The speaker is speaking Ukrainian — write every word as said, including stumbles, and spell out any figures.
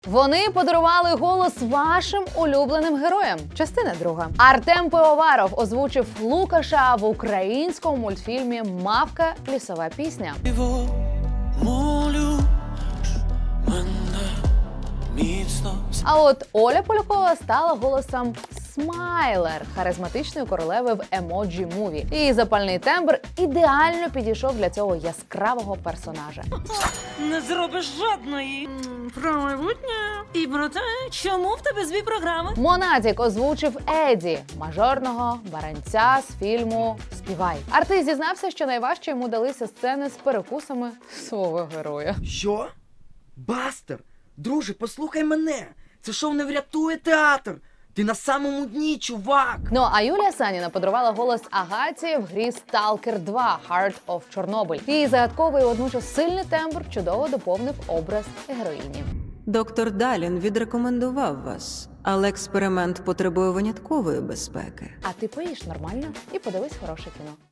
Вони подарували голос вашим улюбленим героям. Частина друга. Артем Пивоваров озвучив Лукаша в українському мультфільмі «Мавка. Лісова пісня». Його молю мене міцно. А от Оля Полякова стала голосом Смайлер, харизматичної королеви в Емоджі Муві. Її запальний тембр ідеально підійшов для цього яскравого персонажа. Не зробиш жодної м, про майбутнє і про те, чому в тебе зві програми. Монатік озвучив Еді, мажорного баранця з фільму «Співай». Артист зізнався, що найважче йому далися сцени з перекусами свого героя. Що? Бастер? Друже, послухай мене! Це шоу не врятує театр! Ти на самому дні, чувак! Ну а Юлія Саніна подарувала голос Агаті в грі «Сталкер два. Heart of Chernobyl». Її загадковий і водночас сильний тембр чудово доповнив образ героїні. Доктор Далін відрекомендував вас, але експеримент потребує виняткової безпеки. А ти поїж нормально і подивись хороше кіно.